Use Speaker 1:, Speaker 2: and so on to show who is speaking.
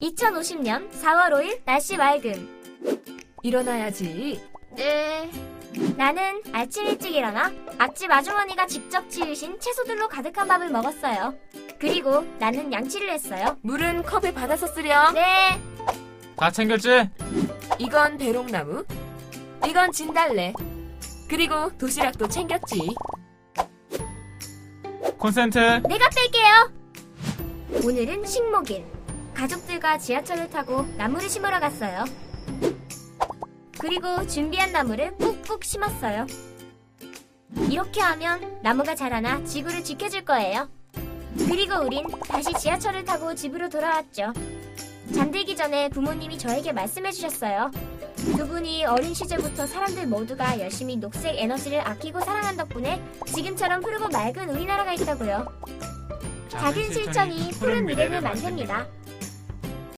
Speaker 1: 2050년 4월 5일 날씨 맑음.
Speaker 2: 일어나야지.
Speaker 1: 네. 나는 아침 일찍 일어나 앞집 아주머니가 직접 지으신 채소들로 가득한 밥을 먹었어요. 그리고 나는 양치를 했어요.
Speaker 2: 물은 컵에 받아서 쓰렴.
Speaker 1: 네.
Speaker 3: 다 챙겼지?
Speaker 2: 이건 배롱나무, 이건 진달래, 그리고 도시락도 챙겼지.
Speaker 3: 콘센트.
Speaker 1: 내가 뺄게요. 오늘은 식목일. 가족들과 지하철을 타고 나무를 심으러 갔어요. 그리고 준비한 나무를 꾹꾹 심었어요. 이렇게 하면 나무가 자라나 지구를 지켜줄 거예요. 그리고 우린 다시 지하철을 타고 집으로 돌아왔죠. 잠들기 전에 부모님이 저에게 말씀해 주셨어요. 두 분이 어린 시절부터 사람들 모두가 열심히 녹색 에너지를 아끼고 사랑한 덕분에 지금처럼 푸르고 맑은 우리나라가 있다고요. 작은 실천이 푸른 미래를 만듭니다.